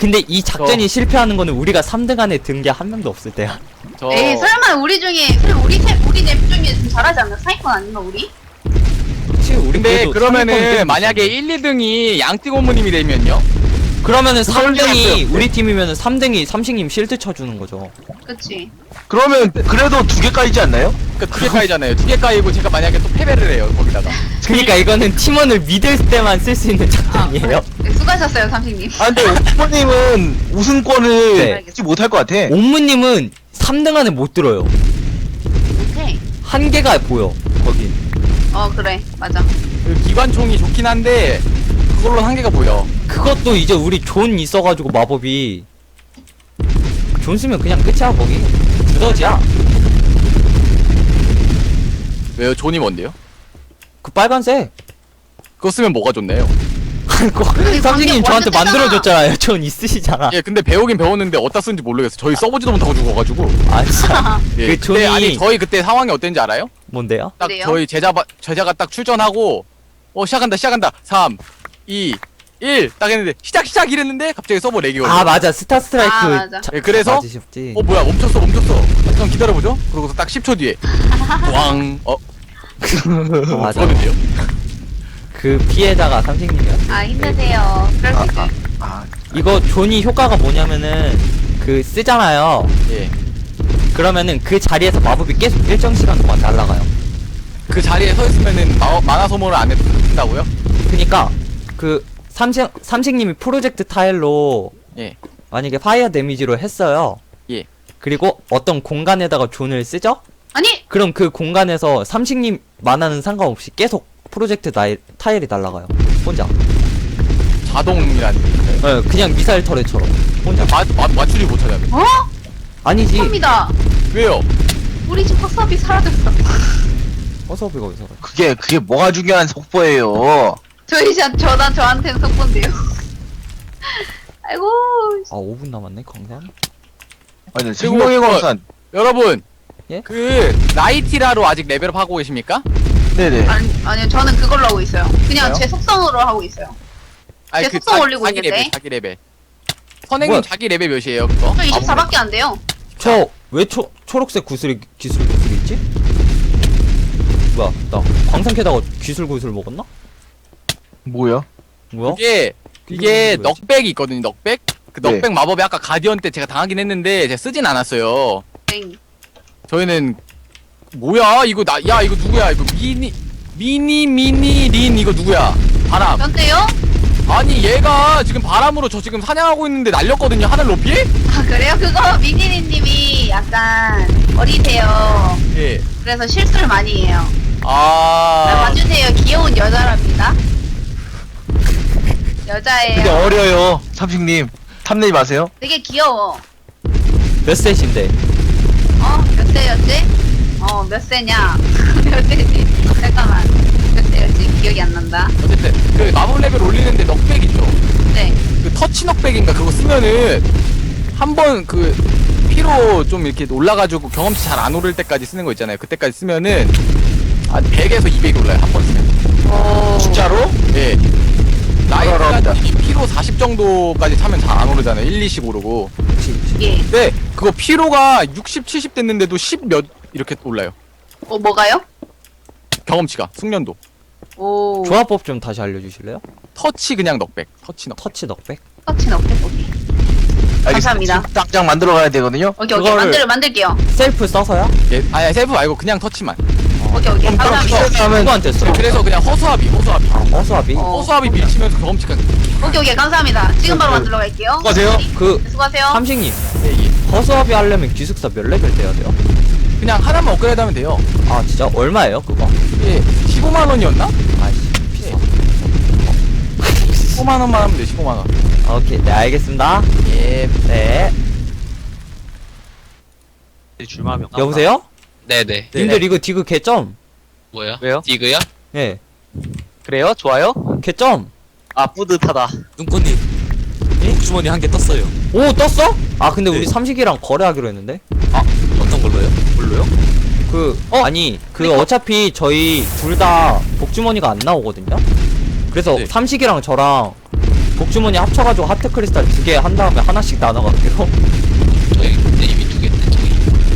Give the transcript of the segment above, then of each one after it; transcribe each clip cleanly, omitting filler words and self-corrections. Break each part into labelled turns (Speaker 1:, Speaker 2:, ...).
Speaker 1: 근데 이 작전이 실패하는 거는 우리가 3등 안에 든 게 한 명도 없을 때야.
Speaker 2: 에이 설마 우리 중에 우리 넷 중에 좀 잘하지 않나? 상위권 아닌가 우리?
Speaker 1: 그치, 우리
Speaker 3: 근데
Speaker 1: 그래도
Speaker 3: 그러면은
Speaker 1: 상위권
Speaker 3: 만약에 1, 2등이 양띵 고모님이 되면요?
Speaker 1: 그러면은
Speaker 4: 그럴 리가
Speaker 1: 3등이
Speaker 4: 없어요.
Speaker 1: 우리 팀이면은 3등이 삼식님 실드 쳐주는 거죠.
Speaker 2: 그치.
Speaker 4: 그러면 그래도 2개 까이지 않나요?
Speaker 3: 그러니까 2개 까이잖아요. 2개 까이고 제가 만약에 또 패배를 해요 거기다가.
Speaker 1: 그러니까 이거는 팀원을 믿을 때만 쓸 수 있는 작전이에요.
Speaker 2: 네, 수고하셨어요 삼식님.
Speaker 4: 아 근데 오프님은 우승권을
Speaker 1: 네.
Speaker 4: 얻지 못할 것 같아.
Speaker 1: 옴무님은 3등 안에 못 들어요.
Speaker 2: 오케이.
Speaker 1: 한계가 보여 거긴.
Speaker 2: 그래 맞아.
Speaker 3: 그 기관총이 좋긴 한데 그걸로 한계가 보여.
Speaker 1: 그것도 이제 우리 존 있어가지고 마법이 존 쓰면 그냥 끝이야 거기. 두더지야.
Speaker 3: 왜요? 존이 뭔데요?
Speaker 1: 그 빨간색.
Speaker 3: 그거 쓰면 뭐가 좋네요.
Speaker 1: 그거 삼식님 저한테
Speaker 2: 완전
Speaker 1: 만들어줬잖아요. 존 있으시잖아.
Speaker 3: 예, 근데 배우긴 배웠는데 어디다 쓰는지 모르겠어. 저희 써보지도 못하고 죽어가지고.
Speaker 1: 아 진짜.
Speaker 3: 예.
Speaker 1: 그 존이
Speaker 3: 근데 아니 저희 그때 상황이 어땠는지 알아요?
Speaker 1: 뭔데요?
Speaker 3: 딱
Speaker 2: 그래요?
Speaker 3: 저희 제자가 딱 출전하고 시작한다 3 2 1 딱 했는데 시작 이랬는데 갑자기 서버 렉이 걸려.
Speaker 1: 아 맞아 스타 스트라이크.
Speaker 2: 아, 맞아.
Speaker 3: 예, 그래서
Speaker 1: 맞으셨지.
Speaker 3: 뭐야 멈췄어. 잠깐 기다려보죠. 그러고서 딱 10초 뒤에 왕
Speaker 1: 맞아.
Speaker 3: 그러는데요.
Speaker 1: 그 피해자가 삼식님이야.
Speaker 2: 아 힘내세요. 그럴 수 있죠.
Speaker 1: 이거 존이 효과가 뭐냐면은 그 쓰잖아요.
Speaker 3: 예.
Speaker 1: 그러면은 그 자리에서 마법이 계속 일정 시간 동안 날아가요.
Speaker 3: 그 자리에 서 있으면은 만화 소모를 안 해도 된다고요?
Speaker 1: 그니까 그 삼식님이 프로젝트 타일로
Speaker 3: 예.
Speaker 1: 만약에 파이어 데미지로 했어요.
Speaker 3: 예.
Speaker 1: 그리고 어떤 공간에다가 존을 쓰죠?
Speaker 2: 아니
Speaker 1: 그럼 그 공간에서 삼식님 만화는 상관없이 계속 프로젝트 타일이 날아가요. 혼자.
Speaker 3: 자동이라는 얘기인가요?
Speaker 1: 그냥 미사일 터렛처럼. 혼자.
Speaker 3: 맞추지 못하냐면.
Speaker 1: 아니지.
Speaker 2: 합니다.
Speaker 3: 왜요?
Speaker 2: 우리 집 확삽이 사라졌어.
Speaker 1: 허수아비가 어디서
Speaker 4: 그게 뭐가 중요한 속보예요.
Speaker 2: 저한테는 속본데요. 아이고.
Speaker 1: 아 5분 남았네 광산.
Speaker 4: 아니 생명의 광산.
Speaker 3: 여러분.
Speaker 1: 예?
Speaker 3: 그 나이티라로 아직 레벨업 하고 계십니까?
Speaker 4: 네네.
Speaker 2: 아니요 저는 그걸로 하고 있어요. 그냥
Speaker 3: 뭐요?
Speaker 2: 제 속성으로 하고 있어요.
Speaker 3: 아니
Speaker 2: 제 속성 올리고
Speaker 3: 자기
Speaker 2: 있는데.
Speaker 3: 레벨, 자기 레벨. 선생님
Speaker 1: 뭐야?
Speaker 3: 자기 레벨 몇이에요 그거?
Speaker 2: 저 24밖에 안 돼요.
Speaker 1: 저 왜 초록색 기술 구슬이 있지? 뭐야 나 광산 캐다가 기술 구슬 먹었나?
Speaker 4: 뭐야?
Speaker 1: 뭐야?
Speaker 3: 이게
Speaker 1: 뭐지?
Speaker 3: 넉백이 있거든요. 넉백. 그
Speaker 4: 네.
Speaker 3: 넉백 마법이 아까 가디언 때 제가 당하긴 했는데 제가 쓰진 않았어요.
Speaker 2: 땡.
Speaker 3: 저희는 뭐야 이거 이거 누구야 이거 미니 린 이거 누구야? 바람.
Speaker 2: 전데요?
Speaker 3: 아니 얘가 지금 바람으로 저 지금 사냥하고 있는데 날렸거든요 하늘 높이?
Speaker 2: 아 그래요? 그거 미니니님이 약간 어리세요.
Speaker 3: 예.
Speaker 2: 그래서 실수를 많이 해요. 봐주세요. 귀여운 여자랍니다. 여자예요.
Speaker 4: 근데 어려요. 삼식님 탐내지 마세요.
Speaker 2: 되게 귀여워.
Speaker 1: 몇 셋인데?
Speaker 2: 몇 세였지? 몇 세냐? 몇 세지? 잠깐만. 몇 세였지? 기억이 안 난다.
Speaker 3: 어쨌든 그 마법 레벨 올리는데 넉백 있죠.
Speaker 2: 네.
Speaker 3: 그 터치 넉백인가 그거 쓰면은 한번 그 피로 좀 이렇게 올라가지고 경험치 잘 안 오를 때까지 쓰는 거 있잖아요. 그때까지 쓰면은 한 100에서 200이 올라요 한 번 쓰면.
Speaker 4: 진짜로?
Speaker 3: 예.
Speaker 4: 알아랍니다.
Speaker 3: 나이트가 피로 40 정도까지 차면 잘 안 오르잖아요. 1, 2씩 오르고.
Speaker 2: 예.
Speaker 3: 근데 그거 피로가 60, 70 됐는데도 10 몇 이렇게 올라요.
Speaker 2: 뭐가요?
Speaker 3: 경험치가 숙련도.
Speaker 2: 오.
Speaker 1: 조합법 좀 다시 알려주실래요?
Speaker 3: 터치 그냥 넉백. 터치 넉.
Speaker 1: 터치 넉백?
Speaker 2: 터치는 어깨 보기. 감사합니다.
Speaker 4: 지금 당장 만들어 가야 되거든요.
Speaker 2: 오케이
Speaker 1: 그거를-
Speaker 2: 만들게요.
Speaker 1: 셀프 써서야?
Speaker 3: 예, 아니 셀프 말고 그냥 터치만.
Speaker 2: 오케이 감사합니다.
Speaker 1: 누구한테 써?
Speaker 3: 그래서 그냥 허수아비.
Speaker 1: 허수아비?
Speaker 3: 허수아비 밀치면서 경험치가.
Speaker 2: 오케이 감사합니다. 지금 바로 만들러 갈게요.
Speaker 4: 수고하세요.
Speaker 1: 그
Speaker 2: 수고하세요.
Speaker 1: 삼식님
Speaker 3: 예.
Speaker 1: 허수아비 하려면 기숙사 몇 레벨 돼야 돼요?
Speaker 3: 그냥 하나만 업그레이드 하면 돼요.
Speaker 1: 아 진짜? 얼마예요 그거?
Speaker 3: 예. 15만 원이었나?
Speaker 1: 아이씨 비싸.
Speaker 3: 15만 원만 하면 돼. 15만 원.
Speaker 1: 오케이 네 알겠습니다.
Speaker 3: 예.
Speaker 1: 네
Speaker 5: 줄마명.
Speaker 1: 여보세요?
Speaker 5: 네네.
Speaker 1: 님들 이거 디그 개점?
Speaker 5: 뭐요?
Speaker 6: 왜요?
Speaker 5: 디그요?
Speaker 1: 예
Speaker 6: 그래요? 좋아요?
Speaker 1: 개점?
Speaker 6: 아 뿌듯하다.
Speaker 5: 눈꽃님. 복주머니 한 개 떴어요.
Speaker 1: 오 떴어? 아 근데 우리
Speaker 5: 네.
Speaker 1: 삼식이랑 거래하기로 했는데?
Speaker 5: 어떤 걸로요? 뭘로요?
Speaker 1: 그 아니 그 어차피 저희 둘 다 복주머니가 안 나오거든요? 그래서
Speaker 5: 네.
Speaker 1: 삼식이랑 저랑 복주머니 합쳐가지고 하트 크리스탈 2개 한 다음에 하나씩 나눠갈게요.
Speaker 5: 저희 근데 이미 2개인데 저희.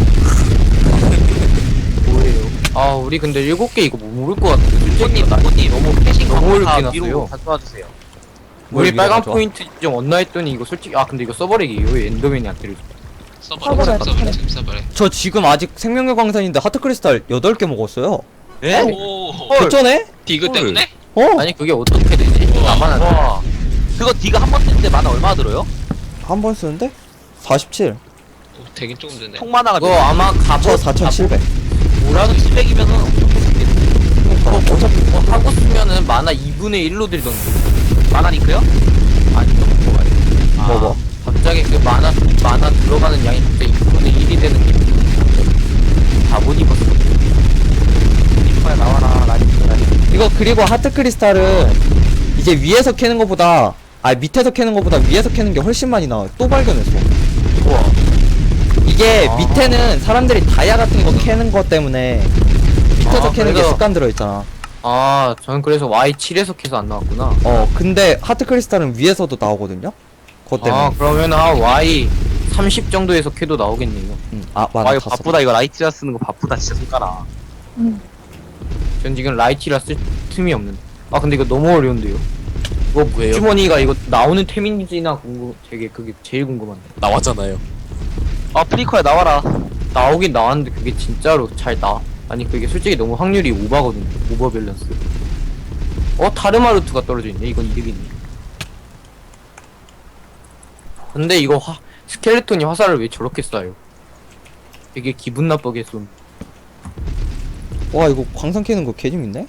Speaker 3: 뭐예요? 아 우리 근데 7개 이거 못 모를 것 같은데 솔직히
Speaker 6: 부모님 너무 패싱
Speaker 3: 너무 어렵게
Speaker 6: 다
Speaker 3: 놨어요.
Speaker 6: 위로 가져와 주세요.
Speaker 1: 뭘
Speaker 3: 우리
Speaker 1: 위로
Speaker 3: 빨간
Speaker 1: 가져와?
Speaker 3: 포인트 좀 얻나 했더니 이거 솔직히 근데 이거 써버리기 왜 엔더맨이 안 때려줘.
Speaker 5: 서버래 지금 서버래.
Speaker 1: 저 지금 아직 생명의 광산인데 하트 크리스탈 8개 먹었어요.
Speaker 6: 예?
Speaker 5: 오.
Speaker 1: 개쩌네?
Speaker 5: 디그 때문에?
Speaker 1: 어?
Speaker 3: 아니 그게 어떻게 되지?
Speaker 5: 우와.
Speaker 3: 나만 안 돼.
Speaker 6: 와. 그거 D가 한 번 쓰는데 만화 얼마 들어요?
Speaker 1: 한 번 쓰는데? 47.
Speaker 5: 오, 되긴 조금 드네.
Speaker 6: 총 만화가
Speaker 3: 그거 아마
Speaker 1: 저
Speaker 3: 갑옷
Speaker 1: 4700.
Speaker 6: 뭐라도 700이면은 엄청 좋겠네.
Speaker 3: 어차피 뭐 하고 쓰면은 만화 2분의 1로 들던데.
Speaker 6: 만화 링크요?
Speaker 3: 아니 좀 좋아요.
Speaker 1: 뭐.
Speaker 3: 갑자기 그 만화 들어가는 양이 갑자기 2분의 1이 되는 게 다못 입었어.
Speaker 6: 링크에 나와라 라이트.
Speaker 1: 이거 그리고 하트 크리스탈은 이제 위에서 캐는 것보다 밑에서 캐는 것보다 위에서 캐는 게 훨씬 많이 나와요. 또 발견했어.
Speaker 3: 우와.
Speaker 1: 이게 밑에는 사람들이 다이아 같은 거 캐는 것 때문에 밑에서 캐는 게
Speaker 3: 그래서-
Speaker 1: 습관 들어있잖아.
Speaker 3: 저는 그래서 Y7에서 캐서 안 나왔구나.
Speaker 1: 근데 하트 크리스탈은 위에서도 나오거든요? 그것 때문에.
Speaker 3: 그러면 Y 30 정도에서 캐도 나오겠네요.
Speaker 1: 맞아.
Speaker 6: 와 이거
Speaker 1: 다
Speaker 6: 바쁘다 이거 라이트라 쓰는 거 바쁘다 진짜 손가락.
Speaker 3: 전 지금 라이티라 쓸 틈이 없는데. 근데 이거 너무 어려운데요. 이거 뭐예요? 주머니가 이거 나오는 템인지나 되게 그게 제일 궁금한데.
Speaker 5: 나왔잖아요.
Speaker 6: 프리커야 나와라.
Speaker 3: 나오긴 나왔는데 그게 진짜로 잘 아니 그게 솔직히 너무 확률이 오버거든요. 오버 밸런스. 타르마루트가 떨어져 있네. 이건 이득이네. 근데 이거 스켈레톤이 화살을 왜 저렇게 쏴요? 되게 기분 나쁘게 쏜.
Speaker 1: 와, 이거 광산 캐는 거 개재밌네?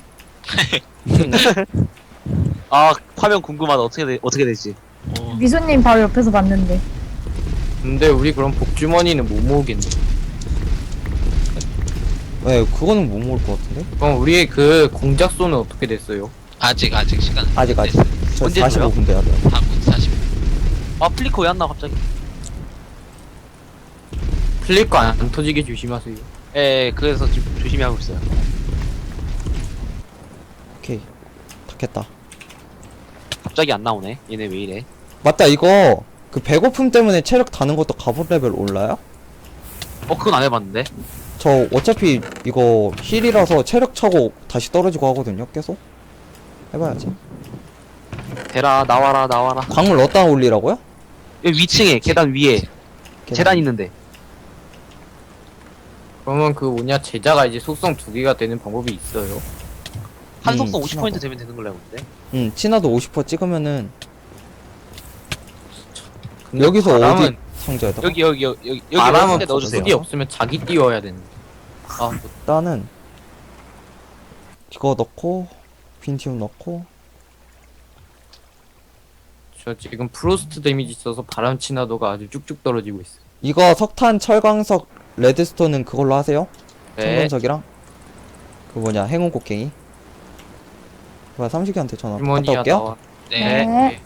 Speaker 6: 화면 궁금하다. 어떻게 되지?
Speaker 7: 미소님 바로 옆에서 봤는데.
Speaker 3: 근데 우리 그럼 복주머니는 못 모으겠네.
Speaker 1: 네, 그거는 못 먹을 것 같은데?
Speaker 3: 그럼 우리의 그 공작소는 어떻게 됐어요?
Speaker 5: 아직 시간.
Speaker 1: 아직. 저
Speaker 6: 언제
Speaker 1: 45분 돼야 돼요.
Speaker 5: 다음 40.
Speaker 6: 플리커 왜 안 나와 갑자기?
Speaker 3: 플리커 안 터지게 조심하세요.
Speaker 6: 예, 그래서 지금 조심히 하고 있어요.
Speaker 1: 오케이. 다 캤다.
Speaker 6: 갑자기 안 나오네. 얘네 왜 이래?
Speaker 1: 맞다, 이거 그 배고픔 때문에 체력 다는 것도 갑옷 레벨 올라요?
Speaker 6: 그건 안 해봤는데.
Speaker 1: 저 어차피 이거 힐이라서 체력 차고 다시 떨어지고 하거든요, 계속. 해봐야지.
Speaker 6: 대라 나와라.
Speaker 1: 광물 어디다 올리라고요?
Speaker 6: 여기 위층에 계단 위에 재단 있는데.
Speaker 3: 그러면 그 제자가 이제 속성 2개가 되는 방법이 있어요.
Speaker 6: 한속성
Speaker 1: 친하다.
Speaker 6: 50% 되면 되는 걸로 알고 있는데.
Speaker 1: 친화도 50% 찍으면은
Speaker 3: 근데
Speaker 1: 여기서
Speaker 3: 바람은
Speaker 1: 어디 상자에다가?
Speaker 6: 여기
Speaker 3: 바람은
Speaker 6: 넣어주세요.
Speaker 3: 어디 없으면 자기 띄워야 되는.
Speaker 1: 일단은 이거 넣고 빈티움 넣고
Speaker 3: 저 지금 프로스트 데미지 있어서 바람 친화도가 아주 쭉쭉 떨어지고 있어.
Speaker 1: 이거 석탄, 철광석, 레드스톤은 그걸로 하세요?
Speaker 6: 네.
Speaker 1: 청금석이랑 그 행운 곡괭이. 삼식이한테 전화 갔다
Speaker 3: 주머니야
Speaker 1: 올게요.
Speaker 3: 나와.
Speaker 7: 네.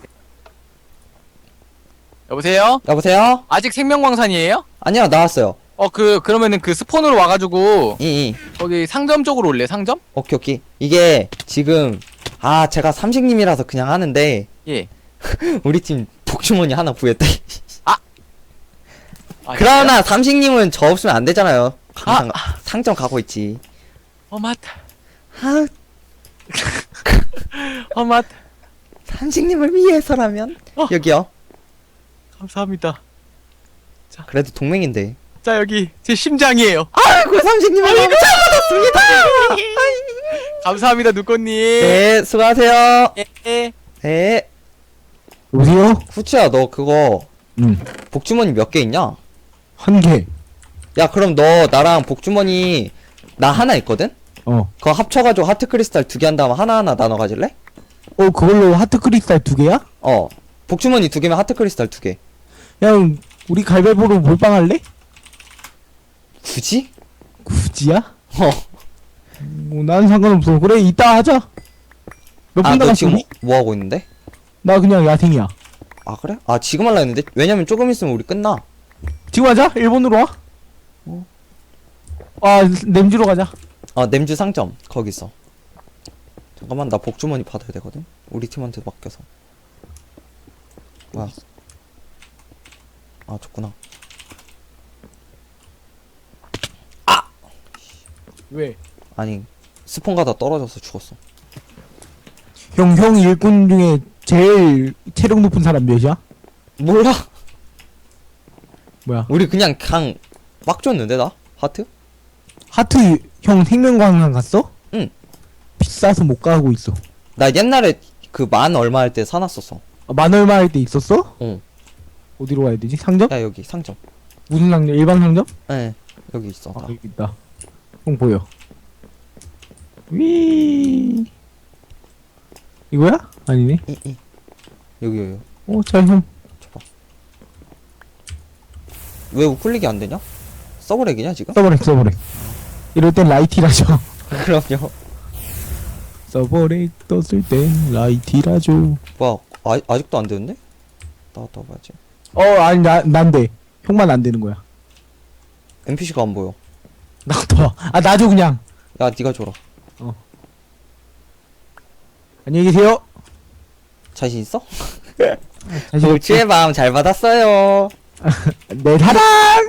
Speaker 3: 여보세요?
Speaker 1: 여보세요?
Speaker 3: 아직 생명광산이에요?
Speaker 1: 아니요, 나왔어요.
Speaker 3: 그러면은 그 스폰으로 와가지고
Speaker 1: 이
Speaker 3: 거기 상점 쪽으로 올래. 상점?
Speaker 1: 오케이. 이게 지금 제가 삼식님이라서 그냥 하는데
Speaker 3: 예.
Speaker 1: 우리 팀 복주머니 하나 구했대.
Speaker 3: 아,
Speaker 1: 그러나 삼식님은 저 없으면 안 되잖아요. 항상 상점 가고 있지.
Speaker 3: 맞다.
Speaker 1: 아,
Speaker 3: 맞다.
Speaker 1: 삼식님을 위해서라면 여기요.
Speaker 3: 감사합니다.
Speaker 1: 그래도 동맹인데.
Speaker 3: 자, 여기 제 심장이에요.
Speaker 1: 아이고 삼식님을 너무 잘 받았습니다.
Speaker 3: 감사합니다, 누꼬님.
Speaker 1: 네, 수고하세요.
Speaker 3: 예.
Speaker 1: 네.
Speaker 8: 여보세요?
Speaker 1: 후치야, 너 그거
Speaker 8: 응.
Speaker 1: 복주머니 몇 개 있냐?
Speaker 8: 한 개.
Speaker 1: 야, 그럼 너 나랑 복주머니 나 하나 있거든? 그거 합쳐가지고 하트 크리스탈 2개 한 다음에 하나하나 나눠 가질래?
Speaker 8: 그걸로 하트 크리스탈 2개야?
Speaker 1: 복주머니 2개면 하트 크리스탈 2개.
Speaker 8: 그냥 우리 갈배보로 몰빵할래?
Speaker 1: 굳이?
Speaker 8: 굳이야? 난 상관없어. 그래, 이따 하자. 몇 분
Speaker 1: 너
Speaker 8: 남았어?
Speaker 1: 지금 뭐 하고 있는데?
Speaker 8: 나 그냥 야생이야.
Speaker 1: 그래? 지금 할라 했는데? 왜냐면 조금 있으면 우리 끝나.
Speaker 8: 지금 하자. 일본으로 와. 냄주로 가자.
Speaker 1: 냄주 상점 거기서. 잠깐만, 나 복주머니 받아야 되거든? 우리 팀한테 맡겨서. 뭐야? 아, 좋구나.
Speaker 8: 왜?
Speaker 1: 아니, 스폰 가다 떨어져서 죽었어.
Speaker 8: 형 일꾼 중에 제일 체력 높은 사람 몇이야?
Speaker 1: 몰라.
Speaker 8: 뭐야?
Speaker 1: 우리 그냥 막 줬는데 나? 하트?
Speaker 8: 하트 형 생명광산 갔어?
Speaker 1: 응.
Speaker 8: 비싸서 못 가고 있어.
Speaker 1: 나 옛날에 그 만 얼마 할 때 사놨었어.
Speaker 8: 아, 만 얼마 할 때 있었어?
Speaker 1: 응.
Speaker 8: 어디로 가야 되지? 상점?
Speaker 1: 야, 여기 상점.
Speaker 8: 무슨 상점? 일반 상점?
Speaker 1: 예. 여기 있어.
Speaker 8: 아,
Speaker 1: 다.
Speaker 8: 여기 있다. 형 보여. 위. 이거야? 아니네.
Speaker 1: 여기.
Speaker 8: 잘 형.
Speaker 1: 왜 우클릭이 안 되냐? 서브렉이냐, 지금?
Speaker 8: 써버려. 이럴 땐 라이티라죠.
Speaker 1: 그럼요.
Speaker 8: 서버렉 떴을 땐 라이티라죠.
Speaker 1: 뭐야, 아직도 안 되는데? 나갔다 와봐야지.
Speaker 8: 아니 난 돼. 형만 안 되는 거야.
Speaker 1: NPC가 안 보여.
Speaker 8: 나도 와. 놔줘 그냥.
Speaker 1: 야, 니가 줘라.
Speaker 8: 안녕히 계세요.
Speaker 1: 자신 있어?
Speaker 8: 다시
Speaker 1: 고추의 마음 잘 받았어요.
Speaker 8: 내 사랑.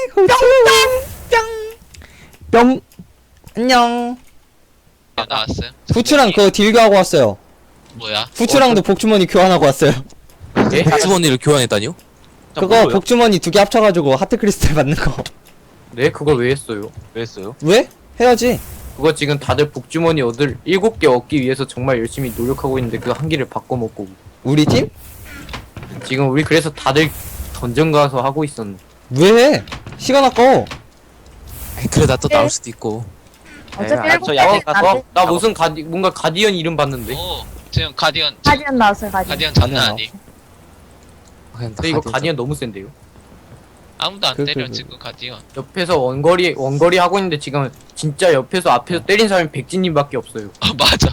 Speaker 8: 뿅.
Speaker 1: 안녕.
Speaker 5: 나왔어요?
Speaker 1: 후추랑 그거 딜교하고 왔어요.
Speaker 5: 뭐야?
Speaker 1: 후추랑도 복주머니 교환하고 왔어요.
Speaker 6: 예?
Speaker 5: 주머니를 교환했다니요?
Speaker 1: 그거 복주머니 2개 합쳐가지고 하트 크리스탈 받는 거.
Speaker 6: 네, 그걸 왜 했어요? 왜 했어요?
Speaker 1: 왜? 해야지.
Speaker 6: 그거 지금 다들 복주머니 7개 얻기 위해서 정말 열심히 노력하고 있는데 그 한 개를 바꿔먹고
Speaker 1: 우리 팀?
Speaker 6: 지금 우리 그래서 다들 던전 가서 하고 있었는데
Speaker 1: 왜 해? 시간 아까워.
Speaker 5: 그러다 또 나올 수도 있고.
Speaker 7: 어차피
Speaker 6: 아,
Speaker 7: 일곱
Speaker 6: 저
Speaker 7: 개
Speaker 6: 야생 가서
Speaker 7: 나한테
Speaker 6: 나 무슨 뭔가 가디언 이름 봤는데
Speaker 5: 오, 지금 가디언
Speaker 7: 가디언 나왔어요, 가디언.
Speaker 5: 가디언 장난
Speaker 1: 가디언
Speaker 5: 아니?
Speaker 6: 근데 이거 가디언 너무 센데요?
Speaker 5: 아무도 안
Speaker 1: 그,
Speaker 5: 때려
Speaker 1: 그.
Speaker 5: 지금 가디언.
Speaker 6: 옆에서 원거리 하고 있는데 지금 진짜 옆에서 앞에서 때린 사람이 백진님밖에 없어요.
Speaker 5: 아 맞아,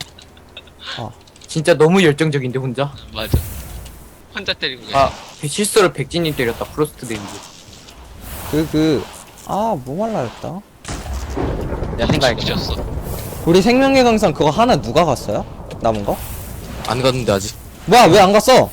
Speaker 6: 진짜 너무 열정적인데 혼자.
Speaker 5: 맞아. 혼자 때리고 계셔.
Speaker 6: 아 실수로 백진님 때렸다. 프로스트 데미지.
Speaker 1: 뭐 말라 했다.
Speaker 6: 야생 가야겠다.
Speaker 5: 죽으셨어.
Speaker 1: 우리 생명의 강산 그거 하나 누가 갔어요? 남은 거?
Speaker 5: 안 갔는데 아직.
Speaker 1: 뭐야, 왜 안 갔어?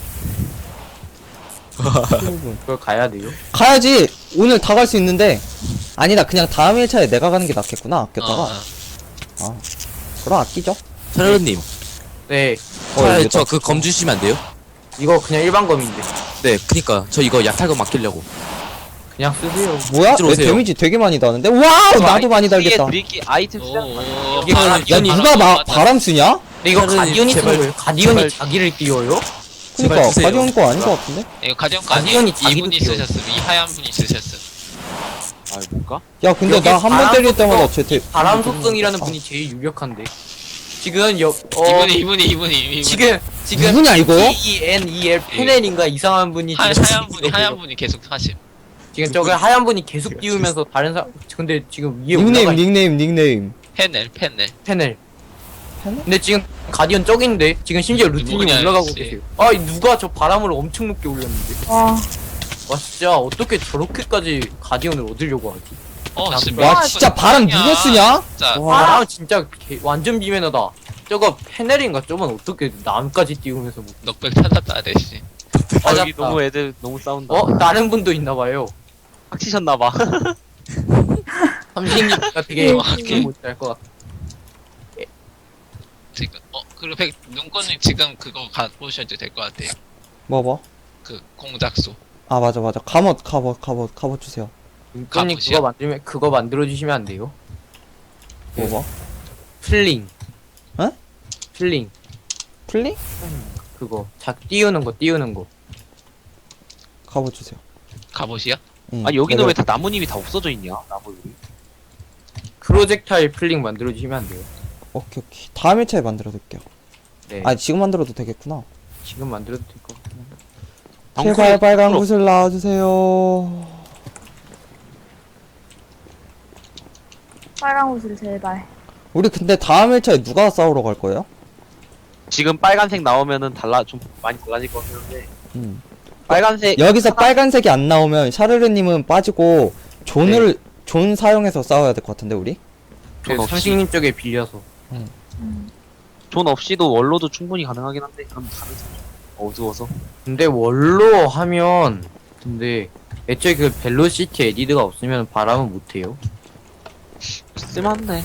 Speaker 6: 그걸 가야 돼요.
Speaker 1: 가야지. 오늘 다 갈 수 있는데. 아니다, 그냥 다음 1차에 내가 가는 게 낫겠구나. 아꼈다가. 그럼 아끼죠.
Speaker 5: 차려님,
Speaker 6: 네,
Speaker 1: 이거
Speaker 5: 저 그 검 주시면 안 돼요?
Speaker 6: 이거 그냥 일반 검인데
Speaker 5: 네, 그니까 저 이거 약탈검 맡기려고.
Speaker 6: 그냥 쓰세요.
Speaker 1: 뭐야?
Speaker 5: 이쪽으로
Speaker 1: 내
Speaker 5: 오세요.
Speaker 1: 데미지 되게 많이 나는데? 와우! 나도 많이 달겠다.
Speaker 6: 드릴기 아이템
Speaker 5: 오,
Speaker 6: 이게
Speaker 1: 야, 누가 바람 쓰냐?
Speaker 6: 근데 이거
Speaker 5: 차라리
Speaker 6: 가디언이 쓰는
Speaker 5: 제발-
Speaker 6: 거예요. 가디언이
Speaker 5: 제발-
Speaker 6: 자기를 띄워요?
Speaker 1: 그니까,
Speaker 5: 제발 주세요.
Speaker 1: 가디언 거 아닌 거 같은데?
Speaker 5: 이거 가디언
Speaker 6: 가디언이
Speaker 5: 이분이
Speaker 6: 자기도
Speaker 5: 쓰셨음. 이 하얀 분이 쓰셨음.
Speaker 6: 아 뭘까?
Speaker 1: 야, 근데
Speaker 6: 여기
Speaker 1: 나 한 번
Speaker 6: 바람
Speaker 1: 때릴 때마다
Speaker 6: 속성-
Speaker 1: 제
Speaker 6: 바람 속성이라는 분이 제일 유력한데 지금 이분이 지금
Speaker 1: 누구냐, 이거?
Speaker 6: PENEL 페넬인가 이상한 분이 지금
Speaker 5: 하얀 분이 계속 하심.
Speaker 6: 지금 저거 하얀 분이 계속 띄우면서 다른 사람 근데 지금 위에
Speaker 1: 닉네임,
Speaker 6: 올라가 있
Speaker 1: 닉네임.
Speaker 5: 페넬.
Speaker 6: 페넬
Speaker 1: 페넬?
Speaker 6: 근데 지금 가디언 적인데 지금 심지어 루틴이
Speaker 5: 누구냐,
Speaker 6: 올라가고
Speaker 5: 씨.
Speaker 6: 계세요. 아 누가 저 바람을 엄청 높게 올렸는데
Speaker 7: 와,
Speaker 6: 와 진짜 어떻게 저렇게까지 가디언을 얻으려고 하지?
Speaker 1: 와, 진짜 바람 누가 쓰냐?
Speaker 5: 진짜.
Speaker 1: 와.
Speaker 6: 바람 진짜 완전 비매너다. 저거 페넬인가 저건 어떻게 남까지 띄우면서 뭐
Speaker 5: 넉백 찾았다 대신.
Speaker 6: 여기 너무
Speaker 9: 애들 너무 싸운다.
Speaker 6: 다른 분도 있나봐요.
Speaker 9: 빡치셨나봐.
Speaker 6: 삼식이가 되게
Speaker 5: 오케이.
Speaker 6: 못할 것 같아.
Speaker 5: 지금 그리고 눈꽃님 지금 그거 가보셔도 될 것 같아요.
Speaker 1: 뭐?
Speaker 5: 그 공작소.
Speaker 1: 아, 맞아. 갑옷 주세요.
Speaker 6: 눈꽃님
Speaker 5: 가보시오.
Speaker 6: 그거 만들어주시면 안 돼요?
Speaker 1: 뭐?
Speaker 6: 플링.
Speaker 1: 어?
Speaker 6: 플링.
Speaker 1: 플링?
Speaker 6: 그거 띄우는 거.
Speaker 1: 갑옷 주세요.
Speaker 5: 갑옷이요?
Speaker 1: 응,
Speaker 9: 아 여기는
Speaker 1: 내가-
Speaker 9: 왜 다 나무님이 다 없어져 있냐? 나무 여기.
Speaker 6: 프로젝타일 플링 만들어주시면 안 돼요?
Speaker 1: 오케이. 다음 1차에 만들어 드릴게요.
Speaker 6: 네.
Speaker 1: 아, 지금 만들어도 되겠구나.
Speaker 6: 지금 만들어도 될 것 같아.
Speaker 1: 제발 빨간 구슬 나와주세요.
Speaker 7: 빨간 옷을 제발.
Speaker 1: 우리 근데 다음 1차에 누가 싸우러 갈 거예요?
Speaker 9: 지금 빨간색 나오면은 좀 많이 달라질 것 같긴 한데.
Speaker 1: 음.
Speaker 9: 빨간색
Speaker 1: 여기서 빨간색이 안 나오면 샤르르님은 빠지고 존 사용해서 싸워야 될 것 같은데 우리?
Speaker 6: 그래서
Speaker 9: 없이.
Speaker 6: 삼식님 쪽에 빌려서.
Speaker 7: 음.
Speaker 9: 존 없이도 원로도 충분히 가능하긴 한데 그럼 다른 색. 어두워서.
Speaker 6: 근데 원로 하면 근데 애초에 그 벨로시티 에디드가 없으면 바람은 못해요.
Speaker 9: 쓸만해.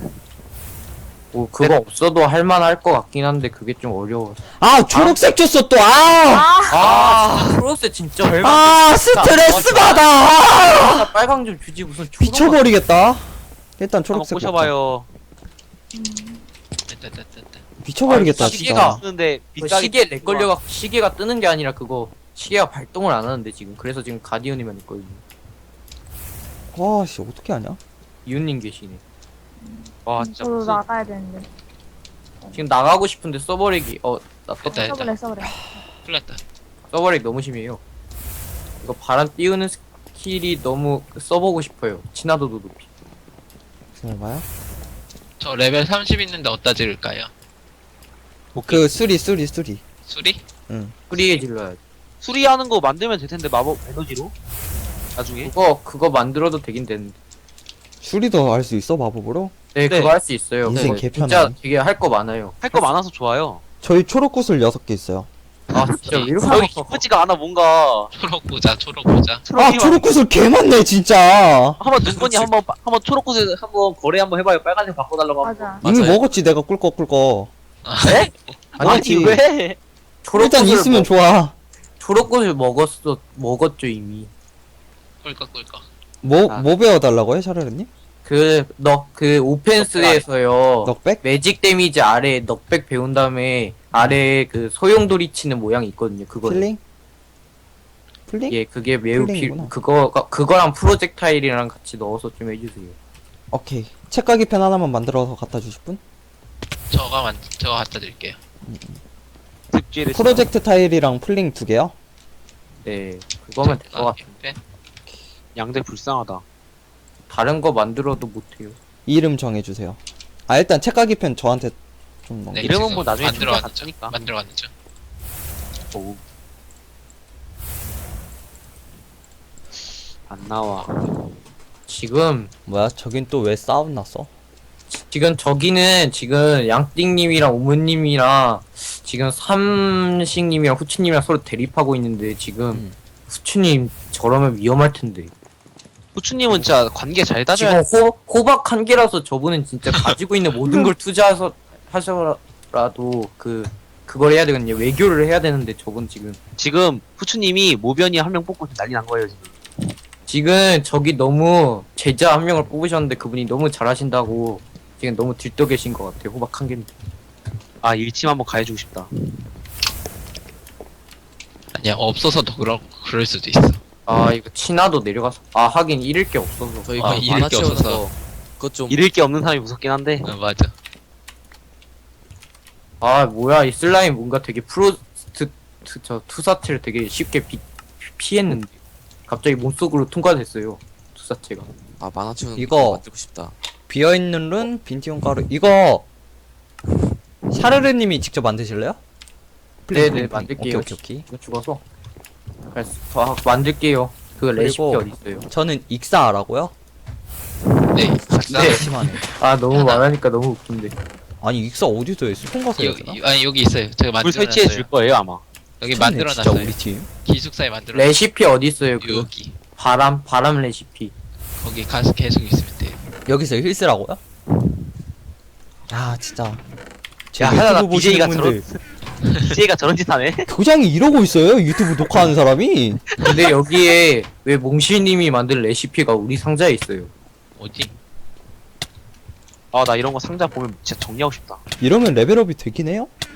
Speaker 6: 뭐 그거 없어도 할만할 것 같긴 한데 그게 좀 어려워.
Speaker 1: 아 초록색 줬어 또.
Speaker 6: 프로세 진짜
Speaker 1: 스트레스 받아.
Speaker 6: 빨강 좀 주지 무슨 초록.
Speaker 1: 미쳐버리겠다. 일단
Speaker 9: 한번
Speaker 1: 초록색 먹자.
Speaker 9: 꼬셔봐요.
Speaker 5: 됐다.
Speaker 1: 미쳐버리겠다
Speaker 6: 아,
Speaker 1: 진짜.
Speaker 6: 시계가-
Speaker 9: 쓰는데
Speaker 6: 그
Speaker 9: 비싸게
Speaker 6: 시계 렉 걸려가 시계가 뜨는 게 아니라 그거 시계가 발동을 안 하는데 지금 그래서 지금 가디언이만 있거든요.
Speaker 1: 와씨 어떻게 하냐?
Speaker 6: 이웃님 계시네.
Speaker 9: 와 진짜
Speaker 7: 저도
Speaker 9: 무슨
Speaker 7: 나가야 되는데.
Speaker 6: 지금 나가고 싶은데 서버렉이 나
Speaker 5: 됐다.
Speaker 7: 써버려.
Speaker 5: 큰일 났다.
Speaker 6: 서버렉 너무 심해요. 이거 바람 띄우는 스킬이 너무 써보고 싶어요. 친화도도 높이.
Speaker 1: 기다려봐요.
Speaker 5: 저 레벨 30 있는데 어디다 지을까요?
Speaker 1: 그 수리.
Speaker 5: 수리?
Speaker 6: 프리에 질러야 돼.
Speaker 9: 수리하는 거 만들면 될 텐데 마법 에너지로 나중에.
Speaker 6: 그거 만들어도 되긴 되는데.
Speaker 1: 수리도 할 수 있어 마법으로?
Speaker 6: 네,
Speaker 9: 네.
Speaker 6: 그거 할 수 있어요.
Speaker 1: 인생
Speaker 6: 그거
Speaker 1: 개편하네.
Speaker 6: 진짜 되게 할 거 많아요.
Speaker 9: 할 거 많아서 좋아요.
Speaker 1: 저희 초록 구슬 6개 있어요.
Speaker 6: 아 진짜 왜 이렇게
Speaker 9: 여기 기쁘지가 않아 뭔가.
Speaker 5: 초록 보자.
Speaker 1: 아 초록 구슬 개 많네 진짜.
Speaker 9: 한번 눈건이 한번 초록꽃에 한번 거래 한번 해봐요. 빨간색 바꿔달라고.
Speaker 7: 맞아.
Speaker 1: 이미
Speaker 5: 맞아요.
Speaker 1: 먹었지 내가 꿀꺽.
Speaker 9: 네? 아니
Speaker 1: 먹었지.
Speaker 9: 왜?
Speaker 1: 일단 있으면 좋아.
Speaker 6: 초록꽃을 먹었죠 이미.
Speaker 5: 꿀꺽.
Speaker 1: 뭐 배워달라고요 샤르르님?
Speaker 6: 그 오펜스에서요.
Speaker 1: 넉백?
Speaker 6: 매직 데미지 아래 넉백 배운 다음에 아래 그 소용돌이 치는 모양이 있거든요. 그거.
Speaker 1: 필링? 플링?
Speaker 6: 예, 그게 매우
Speaker 1: 플레이구나.
Speaker 6: 그거랑 프로젝타일이랑 같이 넣어서 좀 해주세요.
Speaker 1: 오케이. 책가기 펜 하나만 만들어서 갖다 주실 분?
Speaker 5: 저거 갖다 드릴게요.
Speaker 9: 득지를
Speaker 1: 프로젝트 타일이랑 플링 2개요?
Speaker 6: 네, 그거면 될 것 같아요.
Speaker 5: 펜?
Speaker 9: 양대 불쌍하다.
Speaker 6: 다른 거 만들어도 못해요.
Speaker 1: 이름 정해주세요. 아 일단 책가기 펜 저한테 좀 넘겨.
Speaker 5: 네,
Speaker 9: 이름은
Speaker 5: 지금
Speaker 9: 뭐 나중에
Speaker 5: 만들어왔죠.
Speaker 9: 찾아갔으니까.
Speaker 5: 만들어왔죠.
Speaker 9: 오. 안 나와.
Speaker 6: 지금
Speaker 1: 뭐야 저긴 또 왜 싸움 났어?
Speaker 6: 저기는 지금 양띵님이랑 오문님이랑 지금 삼식님이랑 후추님이랑 서로 대립하고 있는데 지금 후추님 저러면 위험할 텐데.
Speaker 9: 후추님은 진짜 관계 잘 다져야
Speaker 6: 지금 호박 한 개라서 저분은 진짜 가지고 있는 모든 걸 투자해서 하셔라도 그걸 해야 되거든요. 외교를 해야 되는데 저분
Speaker 9: 지금 후추님이 모변이 한 명 뽑고 난리 난 거예요 지금.
Speaker 6: 저기 너무 제자 한 명을 뽑으셨는데 그분이 너무 잘하신다고 지금 너무 들떠 계신 것 같아요. 호박 한 개인데.
Speaker 9: 아 일침 한번 가해주고 싶다.
Speaker 5: 아니야, 없어서 더 그럴 수도 있어.
Speaker 6: 아 이거 친화도 내려가서 하긴 잃을 게 없어서.
Speaker 10: 저희
Speaker 5: 아,
Speaker 10: 그
Speaker 5: 잃을
Speaker 10: 만화
Speaker 5: 게
Speaker 10: 채우는
Speaker 5: 없어서.
Speaker 10: 거 그것 좀
Speaker 9: 잃을 게 없는 사람이 무섭긴 한데.
Speaker 5: 맞아.
Speaker 6: 뭐야 이 슬라임 뭔가 되게 투사체를 되게 쉽게 피했는데 갑자기 몸속으로 통과됐어요. 투사체가.
Speaker 10: 만화 채우는
Speaker 1: 이거
Speaker 10: 거 만들고 싶다.
Speaker 1: 비어있는 룬 빈티온 가루 이거 샤르르님이 직접 만드실래요?
Speaker 6: 네네 만들게요.
Speaker 1: 오케이.
Speaker 6: 이거 죽어서 그래서 만들게요. 그 레시피
Speaker 1: 그리고
Speaker 6: 어디 있어요?
Speaker 1: 저는 익사하라고요?
Speaker 5: 네.
Speaker 6: 네.
Speaker 1: 심하네.
Speaker 6: 너무 말하니까 너무 웃긴데.
Speaker 1: 아니 익사 어디서 해? 수통 가서 해야 되나?
Speaker 5: 여기 있어요. 제가
Speaker 9: 불 설치해 줄
Speaker 5: 만들어놨어요.
Speaker 9: 거예요 아마.
Speaker 5: 여기
Speaker 1: 진짜
Speaker 5: 만들어놨어요.
Speaker 1: 우리 팀.
Speaker 5: 기숙사에 만들어놨어요.
Speaker 6: 레시피 어디 있어요? 그
Speaker 5: 여기.
Speaker 6: 바람 레시피.
Speaker 5: 거기 가서 계속 있으면 돼요.
Speaker 1: 여기서 힐스라고요? 야 진짜. 제
Speaker 9: 야 하다가
Speaker 1: 유튜브 보시는
Speaker 9: BJ가
Speaker 1: 분들
Speaker 9: BJ가 저런 짓 하네.
Speaker 1: 교장이 이러고 있어요? 유튜브 녹화하는 사람이?
Speaker 6: 근데 여기에 왜 몽실님이 만든 레시피가 우리 상자에 있어요?
Speaker 5: 어디?
Speaker 9: 아 나 이런 거 상자 보면 진짜 정리하고 싶다.
Speaker 1: 이러면 레벨업이 되긴 해요?